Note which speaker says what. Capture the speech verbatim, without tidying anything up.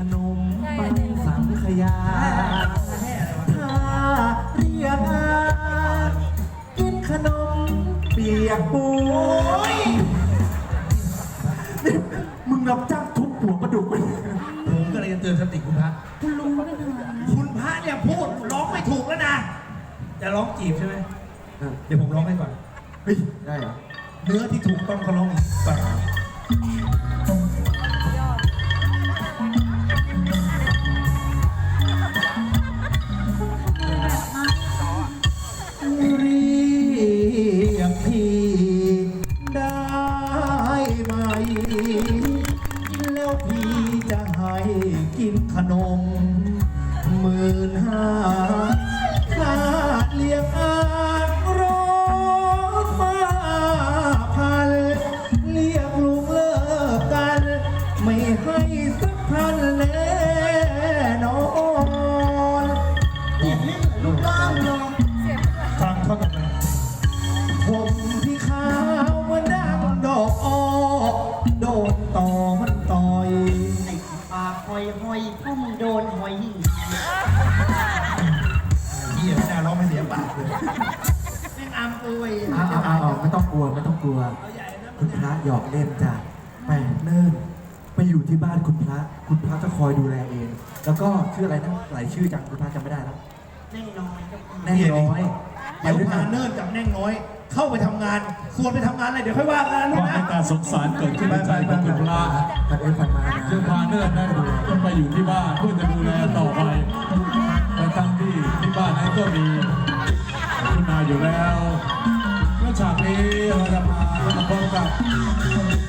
Speaker 1: นมปังสังขยาถ้าเรียกอากินขนมเปียกปูนนี่มึงรับจ้างทุบหัวปลาดุกไป
Speaker 2: ผมก็เลยจะเตือนสติคุณพระ
Speaker 3: คุณลุงก็เป็นอะไร
Speaker 2: คุณพระเนี่ยพูดร้องไม่ถูกแล้วนะจะร้องจีบใช่ไหม
Speaker 1: เออ
Speaker 2: เดี๋ยวผมร้องให้ก่อน
Speaker 1: เฮ้ยได้เหรอ
Speaker 2: เนื้อที่ถูกต้องเขาร้องก่อนเรียกพี่ได้ไหมแล้วพี่จะให้กินขนมหมื่นห้าค่าเลี้ยงอารถมาพันเรียกลุงเลิกกันไม่ให้สักพันแน่นอนลูกบ้านลองฟังเขาหน่อยผมที่ขาวมันดังดอกอ้อโดนต่อมันต่อย
Speaker 3: ไอ้ปากหอยหอยพ่อมึงโดนหอย
Speaker 2: เหี้ยไม่น่าร้องไม่เสียปากเลยแม่งอามเอ้ย
Speaker 1: เอาเอาเอาเอาไม่ต้องกลัวไม่ต้องกลัว คุณพระหยอกเล่นจ้ะไปเนิ่นไปอยู่ที่บ้านคุณพระ คุณพระจะคอยดูแลเอง แล้วก็ชื่ออะไรนะหลายชื่อจังคุณพระจำไม่ได้แล้ว
Speaker 3: แน่นอนครับ
Speaker 1: แน่น้อย
Speaker 2: เดี๋ยวพาเนิ่นกับแน่งน้อย เข้าไปทำงาน ส่วนไปทำงานอะไรเดี๋ยวค่อยว่ากัน
Speaker 4: ข
Speaker 2: ลู
Speaker 4: อก
Speaker 2: นะ
Speaker 4: ให้การสงสารเกิดขึ้นในใจของคุณพระ
Speaker 1: ผัดเอ็นผัดมานะ
Speaker 4: ซึ่งพาเนิ่นนั้นต้องไปอยู่ที่บ้านเพื่อจะดูแลต่อไปและทั้งที่ที่บ้านนั้นก็มีคุณนายอยู่แล้วและฉากนี้เราจะมาพบกับ